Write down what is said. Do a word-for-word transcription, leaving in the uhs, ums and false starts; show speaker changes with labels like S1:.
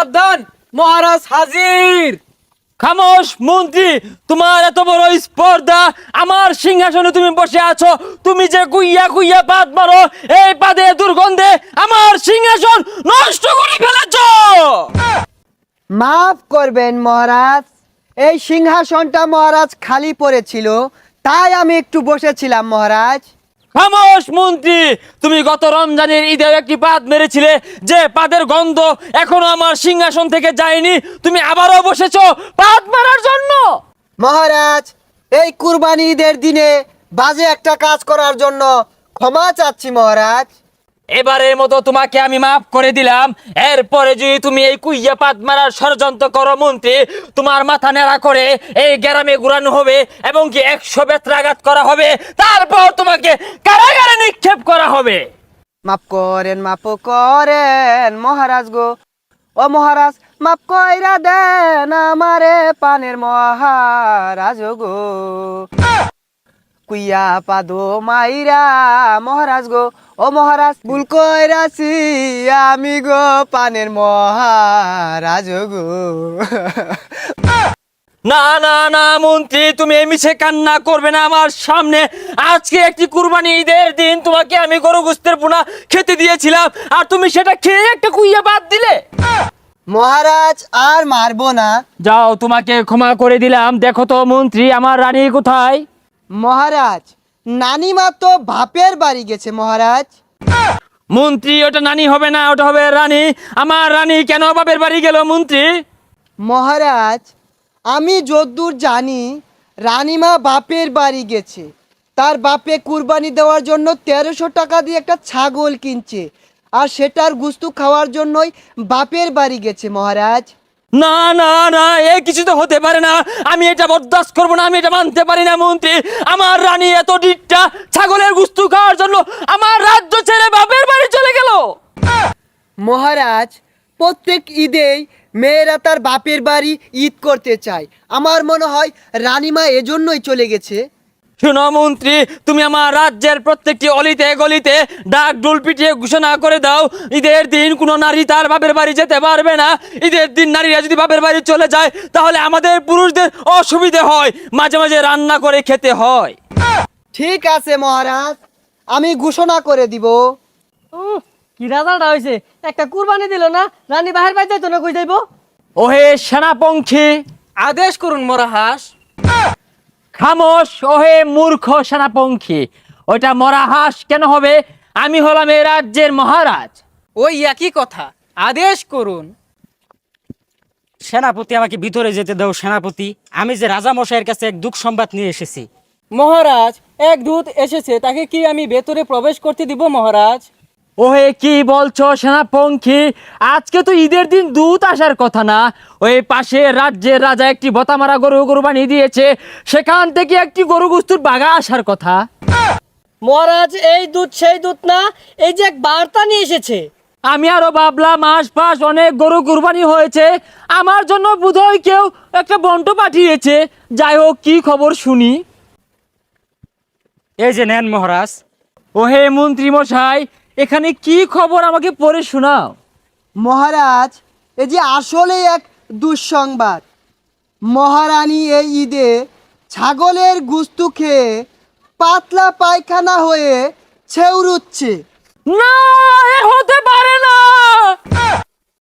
S1: সাবধান, মহারাজ হাজির।
S2: খামোশ মন্ত্রী, তোমার এত বড় স্পর্ধা, আমার সিংহাসনে তুমি বসে আছো, তুমি যে গুইয়া গুইয়া পাত মারো, এই পাদে দুর্গন্ধে আমার সিংহাসন নষ্ট করে ফেলেছো।
S3: মাফ করবেন মহারাজ, এই সিংহাসনটা মহারাজ খালি পড়েছিল, তাই আমি একটু বসেছিলাম মহারাজ।
S2: খামোশ মন্ত্রী, তুমি গত রমজানের ঈদে একটি পাদ মেরেছিলে, যে পাদের গন্ধ এখনো আমার সিংহাসন থেকে যায়নি, তুমি আবারও বসেছো পাদ মারার জন্য।
S3: মহারাজ, এই কুরবানি ঈদের দিনে বাজে একটা কাজ করার জন্য ক্ষমা চাচ্ছি মহারাজ।
S2: এবারের মতো তোমাকে আমি মাফ করে দিলাম। এরপরে যদি তুমি এই কুইয়া পাত মারার ষড়যন্ত্র করো মন্ত্রী, তোমার মাথা নেড়া করে এই গ্রামে ঘুরানো হবে এবং কি একশো বেত্রাঘাত করা হবে, তারপর তোমাকে কারাগারে নিক্ষেপ করা হবে।
S3: মাফ করেন, মাফ করেন মহারাজ গো, ও মহারাজ মাফ কইরা দেন আমারে পানের মহারাজ গো। কুইয়া পাদো মাইরা মহারাজ গো, ও মহারাজ ভুল কইরাছি আমি গো পানের মহারাজ গো।
S2: না না না মন্ত্রী, তুমি এই মিছে কান্না করবে না আমার সামনে। আজকে একটি কুরবানি ঈদের দিন, তোমাকে আমি গরু গোস্তের পোনা খেতে দিয়েছিলাম, আর তুমি সেটা খেয়ে একটা কুইয়া বাদ দিলে।
S3: মহারাজ আর মারবো না।
S2: যাও, তোমাকে ক্ষমা করে দিলাম। দেখো তো মন্ত্রী, আমার রানী কোথায়?
S3: মহারাজ, নানিমা তো বাপের বাড়ি গেছে মহারাজ।
S2: মন্ত্রী, ওটা নানি হবে না, ওটা হবে রানী। আমার রানী কেন বাপের বাড়ি গেল মন্ত্রী?
S3: মহারাজ, আমি যদ্দূর জানি রানীমা বাপের বাড়ি গেছে, তার বাপে কুরবানি দেওয়ার জন্য তেরোশো টাকা দিয়ে একটা ছাগল কিনছে, আর সেটার গুস্তু খাওয়ার জন্যই বাপের বাড়ি গেছে মহারাজ।
S2: না না না, এ কিছু তো হতে পারে না। আমি এটা বরদাস্ত করবো না, আমি এটা মানতে পারি না মন্ত্রী। আমার রানী এত ডিটটা ছাগলের গুস্তু খাওয়ার জন্য আমার রাজ্য ছেড়ে বাপের বাড়ি চলে গেল।
S3: মহারাজ, প্রত্যেক ঈদেই মেয়েরা তার বাপের বাড়ি ঈদ করতে চায়, আমার মনে হয় রানীমা এজন্যই চলে গেছে।
S2: শোনো মন্ত্রী, তুমি আমার রাজ্যের প্রত্যেকটি অলিতে গলিতে ডাক ডোল পিটিয়ে ঘোষণা করে দাও, ঈদের দিন কোনো নারী তার বাপের বাড়ি যেতে পারবে না। ঈদের দিন নারীরা যদি বাপের বাড়ি চলে যায়, তাহলে আমাদের পুরুষদের অসুবিধে হয়, মাঝে মাঝে রান্না করে খেতে হয়।
S3: ঠিক আছে মহারাজ, আমি ঘোষণা করে দিব।
S1: উহ, কি রাজাটা হয়েছে, একটা কুরবানি দিল না, রানী বাহির বাড়ি যাইতো না, কই যাইব?
S2: ওহে সেনাপঙ্খী,
S1: আদেশ করুন মহারাজ।
S2: খামোশ ওহে মূর্খ সেনাপঙ্খী। ওইটা মরা হাঁস কেন হবে? আমি হলাম এই রাজ্যের মহারাজ।
S1: ওই একই কথা, আদেশ করুন।
S4: সেনাপতি, আমাকে ভিতরে যেতে দাও সেনাপতি। আমি যে রাজা মশাইয়ের কাছে এক দুঃখ সংবাদ নিয়ে এসেছি।
S1: মহারাজ, এক দূত এসেছে, তাকে কি আমি ভেতরে প্রবেশ করতে দিব মহারাজ?
S2: ওহে কি বলছো সেনাপঙ্খী? আজকে তো ঈদের দিন দূত আসার কথা না। ওই পাশে রাজ্যের রাজা একটি বতামারা গরু কুরবানি দিয়েছে, সেখান থেকে একটি গরু গুস্তুর বাগা আসার কথা।
S1: মহারাজ, এই দূত সেই দূত না, এই যে এক বার্তা নিয়ে এসেছে।
S2: আমি আরো ভাবলাম আশপাশ অনেক গরু কুরবানি হয়েছে, আমার জন্য বোধহয় কেউ একটা বন্ট পাঠিয়েছে। যাই হোক, কি খবর শুনি।
S4: এই যে নেন মহারাজ।
S2: ওহে মন্ত্রী মশাই, এখানে কি খবর আমাকে পড়ে শোনাও।
S3: মহারাজ, এই যে আসলে এক দুঃসংবাদ। মহারানী এই ঈদে ছাগলের গুস্তু খেয়ে পাতলা পায়খানা হয়ে ছেউরুচ্ছে।
S2: না